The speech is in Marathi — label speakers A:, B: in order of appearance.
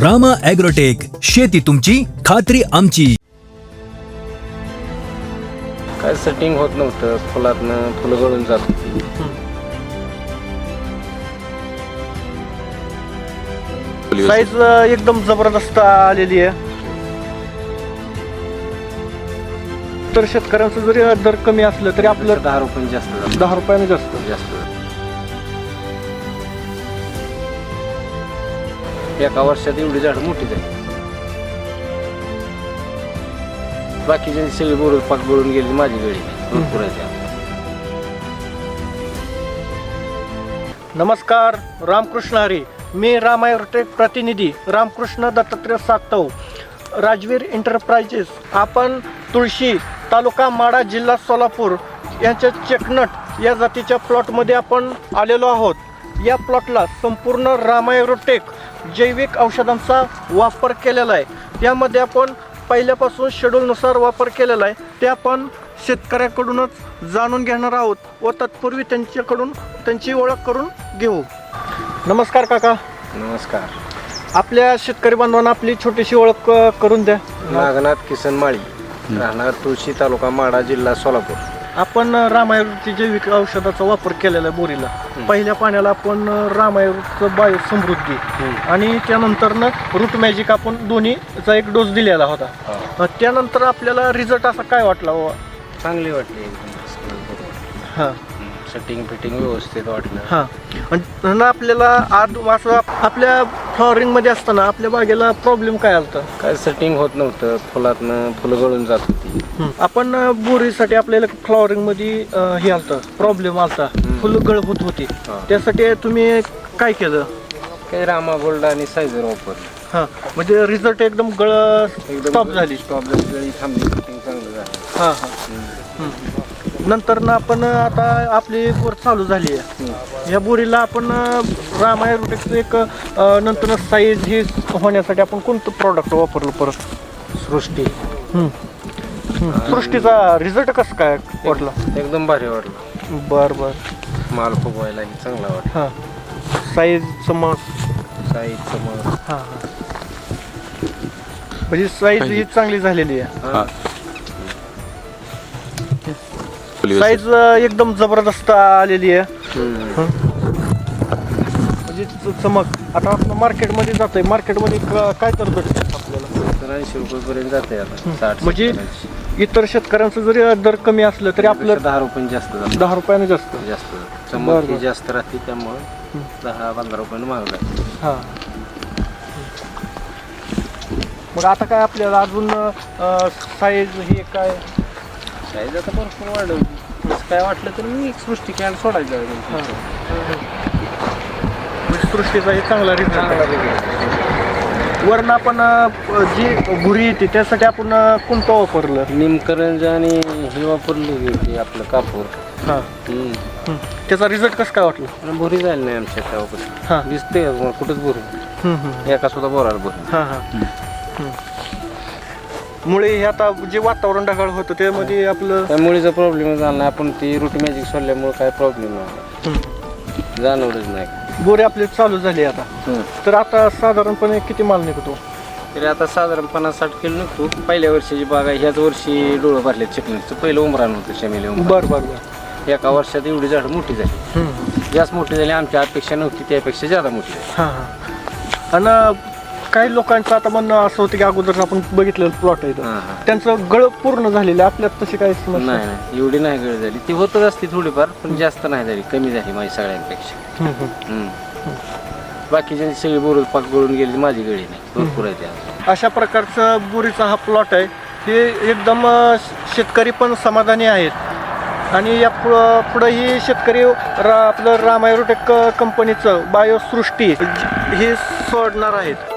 A: रामा ॲग्रोटेक, शेती तुमची, खात्री आमची.
B: काय सेटिंग होत नव्हतं, फुलातनं फुलं गळून जात होती.
C: साईज एकदम जबरदस्त आलेली आहे. तर शेतकऱ्यांचं जरी दर कमी असलं तरी आपलं
B: 10 रुपये जास्त झालं.
C: 10 रुपयाने जास्त.
B: एका वर्षात एवढी झाडं मोठी झाली. बाकीच्या सगळी बोर पाक गळून गेली, माझी गळी भरपूर आहे.
C: नमस्कार, रामकृष्ण हरी. मी रामा ॲग्रोटेक प्रतिनिधी रामकृष्ण दत्तात्रय सातव, राजवीर एंटरप्राइजेस. आपण तुळशी, तालुका माढा, जिल्हा सोलापूर यांच्या चेकनट या जातीच्या प्लॉटमध्ये आपण आलेलो आहोत. या प्लॉटला संपूर्ण रामा ॲग्रोटेक जैविक औषधांचा वापर केलेला आहे. यामध्ये आपण पहिल्यापासून शेड्यूलनुसार वापर केलेला आहे. ते आपण शेतकऱ्याकडूनच जाणून घेणार आहोत व तत्पूर्वी त्यांच्याकडून त्यांची ओळख करून घेऊ. नमस्कार काका.
B: नमस्कार.
C: आपल्या शेतकरी बांधवांना आपली छोटीशी ओळख करून द्या.
B: नागनाथ किसन माळी, राहणार तुळशी, तालुका माढा, जिल्हा सोलापूर.
C: आपण रामायणची जैविक औषधाचा वापर केलेला आहे बोरीला. पहिल्या पाण्याला आपण रामायणचं बायो समृद्धी आणि त्यानंतरनं रूट मॅजिक आपण दोन्हीचा एक डोस दिलेला होता. त्यानंतर आपल्याला रिझल्ट असा काय वाटला बाबा?
B: चांगली वाटली.
C: हां,
B: सेटिंग फिटिंग व्यवस्थित वाटलं.
C: हां. आणि आपल्याला आज असं आपल्या फ्लॉवरिंगमध्ये असताना आपल्या बागेला प्रॉब्लेम काय आला?
B: काय सेटिंग होत नव्हतं, फुलातनं फुलं गळून जात होती.
C: आपण बोरीसाठी आपल्याला फ्लॉवरिंगमध्ये हे आलतं, प्रॉब्लेम आलता, फुलं गळ होत होती. त्यासाठी तुम्ही काय केलं?
B: काही रामा गोल्ड आणि सायझर वापरलं.
C: हां, म्हणजे रिझल्ट एकदम स्टॉप झाली.
B: गळी थांबली, फिटिंग चांगलं झालं.
C: हां हां. नंतर ना आपण आता आपली बोर चालू झाली आहे. या बोरीला आपण रामा ॲग्रोटेकचं एक नंतर साईज ही होण्यासाठी आपण कोणतं प्रॉडक्ट वापरलं परत?
B: सृष्टी.
C: सृष्टीचा रिझल्ट कसं काय वाटला?
B: एकदम भारी वाटलं.
C: बरं बरं.
B: माल फुगवायलाही चांगला वाटला.
C: हां, साईजचं मग
B: साईजचं मग
C: हां हां, म्हणजे साईज ही चांगली झालेली आहे. साईज एकदम जबरदस्त आलेली आहे. म्हणजे चमक. आता आपण मार्केटमध्ये जातोय, मार्केटमध्ये काय तर भेटतं आपल्याला?
B: 80 रुपयेपर्यंत जाते आता. 60
C: म्हणजे इतर शेतकऱ्यांचं जरी दर कमी असलं तरी आपलं
B: 10 रुपये जास्त झालं.
C: 10 रुपयाने जास्त.
B: चमक ही जास्त राहते, त्यामुळे 10-15 रुपयाने महाग आहे.
C: हां. मग आता काय आपल्याला अजून साईज ही काय?
B: साईज आता भरपूर वाढवली. तसं काय वाटलं तर मी एक सृष्टी कॅन सोडायचं.
C: सृष्टीचा एक चांगला रिझल्ट. वरण आपण जी भुरी येते त्यासाठी आपण कोणतं वापरलं?
B: निमकरंज आणि हे वापरली ते आपलं कापूर.
C: हां, त्याचा रिझल्ट कसं काय वाटलं?
B: बोरी जायला नाही आमच्या
C: हां.
B: त्यावर दिसते कुठंच बोरी, एका सुद्धा बोराला बोरी.
C: हां हां. मुळे हे आता जे वातावरण ढगाळ होतं त्यामध्ये आपलं
B: त्या मुळीचा प्रॉब्लेम झाला नाही. आपण ती रूट मॅजिक सोडल्यामुळे काय प्रॉब्लेम नाही, जाणवलंच नाही.
C: बोरे आपले चालू झाली आता. तर आता साधारणपणे किती माल निघतो?
B: तरी आता साधारण 50-60 किलो निघतो. पहिल्या वर्षीची बाग आहे, ह्याच वर्षी डोळं भरले चिकणीचं. पहिलं उमरान होतं, शमिले उमरान.
C: बरं बरं.
B: एका वर्षात एवढी झाडं मोठी झाली. जास्त मोठी झाली, आमच्या अपेक्षा नव्हती, त्यापेक्षा जादा मोठी झाली.
C: हां हां. आणि काही लोकांचं आता म्हणणं असं होतं की अगोदर आपण बघितलेलं प्लॉट आहे त्यांचं गळ पूर्ण झालेलं, आपल्यात तशी काही समस्या
B: नाही. एवढी नाही गळ झाली, ती होतच असती थोडीफार, पण जास्त नाही झाली, कमी झाली माझी सगळ्यांपेक्षा. बाकीच्या सगळी बोर पाक गळून गेली, माझी गळी नाही, भरपूर आहे त्या.
C: अशा प्रकारचं बोरीचा हा प्लॉट आहे. हे एकदम शेतकरी पण समाधानी आहेत. आणि या पुढंही शेतकरी आपलं रामा ॲग्रोटेक कंपनीचं बायोसृष्टी हे सोडणार आहेत.